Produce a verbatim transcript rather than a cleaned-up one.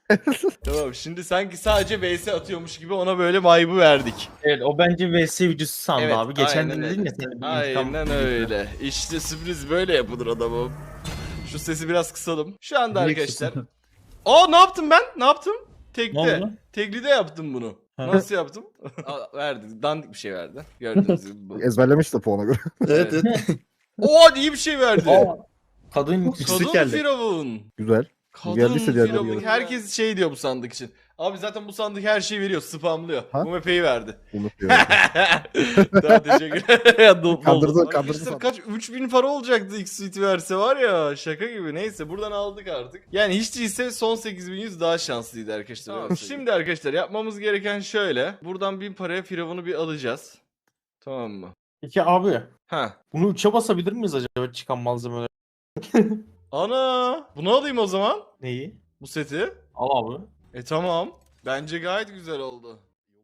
Tamam, şimdi sanki sadece V S atıyormuş gibi ona böyle vibe'ı verdik. Evet, o bence V S videosu sandı Evet, abi. Geçen aynen de dedin öyle. ya sen de bir intikam Aynen videosu. öyle. İşte sürpriz böyle yapılır adamım. Şu sesi biraz kısalım. Şu anda Niye arkadaşlar. kısalım? Aa, ne yaptım ben? Ne yaptım? Ne Tekte. oldu? Teklide yaptım bunu. Ha. Nasıl yaptım? Aa, verdi. Dandik bir şey verdi. Gördüğünüz gibi bu. Ezberlemiş de puana göre. Evet evet. Oo, iyi bir şey verdi. Aa, kadın yüksek Kadın geldi. firavun. Güzel. Kadın Geldiyse diğerleri firavun. gelir. Herkes şey diyor bu sandık için. Abi zaten bu sandık her şeyi veriyor. Spamlıyor. Ha? Bu mepeyi verdi. Unutuyor. Daha teşekkür ya, dolu- Kandırdı, dolu. kandırdı Arkadaşlar sandım. kaç üç bin para olacaktı X Suite verse var ya, şaka gibi. Neyse, buradan aldık artık. Yani hiç değilse son sekiz bin yüz daha şanslıydı arkadaşlar. Tamam, şimdi arkadaşlar yapmamız gereken şöyle. Buradan bin paraya firavunu bir alacağız. Tamam mı? Peki abi, Ha. bunu üçe basabilir miyiz acaba çıkan malzemeler? Ana, bunu alayım o zaman. Neyi? Bu seti. Al abi. E tamam. Bence gayet güzel oldu.